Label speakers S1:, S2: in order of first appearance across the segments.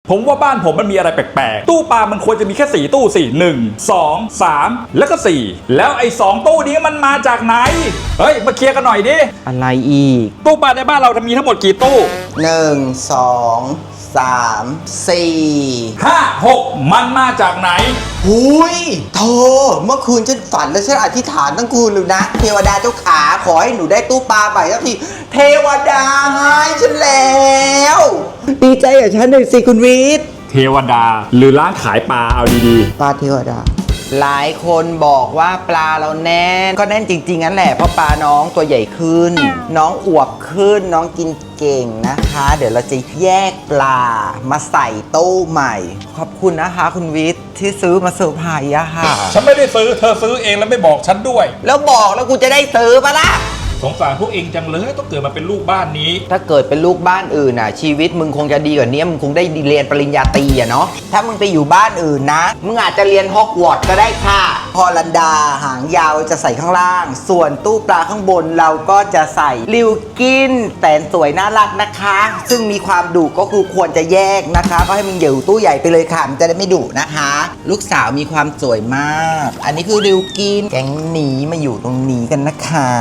S1: ผมว่าบ้านผมมันมีอะไรแปลกๆตู้ปลามันควรจะมีแค่4ตู้สิ1 2 3แล้วก็4แล้วไอ้2ตู้นี้มันมาจากไหนเฮ้ยมาเคลียร์กันหน่อยดิ
S2: อะไรอีก
S1: ตู้ปลาในบ้านเรามีทั้งหมดกี่ตู้
S2: 1 2 3 4
S1: 5 6มันมาจากไหน
S2: หุยโธ่เมื่อคืนฉันฝันและฉันอธิษฐานทั้งคืนเลยนะเทวดาเจ้าขาขอให้หนูได้ตู้ปลาใหม่สักทีเทวดาให้ฉันแล้วดีใจกับฉันหน่อยสิคุณวิทย์
S1: เทวดาหรือร้านขายปลาเอาดี
S2: ปลาเทวดาหลายคนบอกว่าปลาเราแน่นก็แน่นจริงๆนั่นแหละเพราะปลาน้องตัวใหญ่ขึ้นน้องอวบขึ้นน้องกินเก่งนะคะเดี๋ยวเราจะแยกปลามาใส่ตู้ใหม่ขอบคุณนะคะคุณวิทย์ที่ซื้อมาเซอร์ไพรส์อะค่ะ
S1: ฉันไม่ได้ซื้อเธอซื้อเองแล้วไม่บอกฉันด้วย
S2: แล้วบอกแล้วกูจะได้ซื้อปะล่ะ
S1: สงสารพวกเองจังเลยต้องเกิดมาเป็นลูกบ้านนี้
S2: ถ้าเกิดเป็นลูกบ้านอื่นน่ะชีวิตมึงคงจะดีกว่านี้มึงคงได้เรียนปริญญาตรีอะเนาะถ้ามึงไปอยู่บ้านอื่นนะมึงอาจจะเรียนฮอกวอตส์ก็ได้ค่ะฮอลันดาหางยาวจะใส่ข้างล่างส่วนตู้ปลาข้างบนเราก็จะใส่ลิวกินแสนสวยน่ารักนะคะซึ่งมีความดุก็คือควรจะแยกนะคะก็ให้มึงอยู่ตู้ใหญ่ไปเลยค่ะมันจะได้ไม่ดุนะคะลูกสาวมีความสวยมากอันนี้คือลิวกินแก๊งหนีมาอยู่ตรงนี้กันนะคะ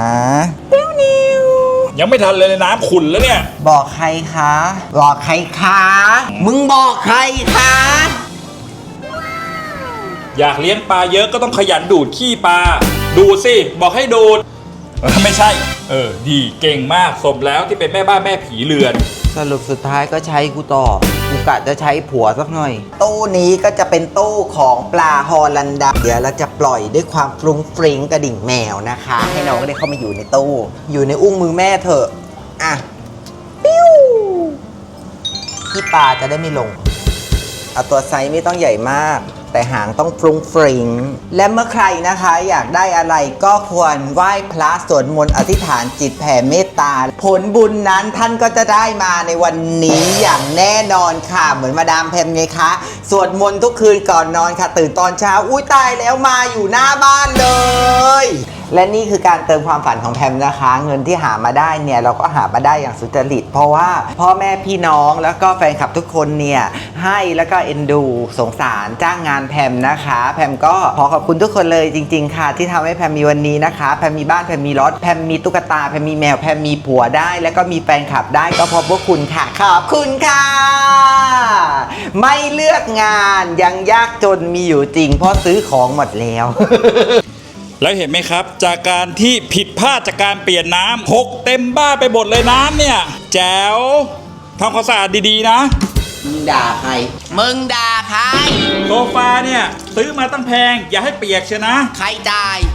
S1: ยังไม่ทันเลยน้ำขุ่นแล้วเนี่ย
S2: บอกใครคะบอกใครคะมึงบอกใครคะ
S1: อยากเลี้ยงปลาเยอะก็ต้องขยันดูดขี้ปลาดูดสิบอกให้ดูดไม่ใช่ดีเก่งมากสมแล้วที่เป็นแม่บ้านแม่ผีเรือน
S2: สรุปสุดท้ายก็ใช้กูต่อกูกะจะใช้ผัวสักหน่อยตู้นี้ก็จะเป็นตู้ของปลาฮอลันดาเดี๋ยวเราจะปล่อยด้วยความฟรุ้งฟริ้งกระดิ่งแมวนะคะให้น้องก็ได้เข้ามาอยู่ในตู้อยู่ในอุ้งมือแม่เถอะอ่ะปิ้วที่ปลาจะได้ไม่ลงเอาตัวไซส์ไม่ต้องใหญ่มากแต่หางต้องฟรุ้งฟริ้งและเมื่อใครนะคะอยากได้อะไรก็ควรไหว้พระสวดมนต์อธิษฐานจิตแผ่เมตตาผลบุญนั้นท่านก็จะได้มาในวันนี้อย่างแน่นอนค่ะเหมือนมาดามแพมไงคะสวดมนต์ทุกคืนก่อนนอนค่ะตื่นตอนเช้าอุ้ยตายแล้วมาอยู่หน้าบ้านเลยและนี่คือการเติมความฝันของแพมนะคะเงินที่หามาได้เนี่ยเราก็หามาได้อย่างสุจริตเพราะว่าพ่อแม่พี่น้องแล้วก็แฟนคลับทุกคนเนี่ยให้แล้วก็เอ็นดูสงสารจ้างงานแพมนะคะแพมก็ขอขอบคุณทุกคนเลยจริงๆค่ะที่ทำให้แพมมีวันนี้นะคะแพมมีบ้านแพมมีรถแพมมีตุ๊กตาแพมมีแมวแพมมีผัวได้แล้วก็มีแฟนคลับได้ก็เพราะพวกคุณค่ะขอบคุณค่ะไม่เลือกงานยังยากจนมีอยู่จริงเพราะซื้อของหมดแล้ว
S1: แล้วเห็นไหมครับจากการที่ผิดพลาดจากการเปลี่ยนน้ำหกเต็มบ้านไปหมดเลยน้ำเนี่ยแจ๋วทำความสะอาดดีๆนะ
S2: มึงด่าใครมึงด่าใคร
S1: โซฟาเนี่ยซื้อมาตั้งแพงอย่าให้เปียกเชียวนะ
S2: ใครจ่าย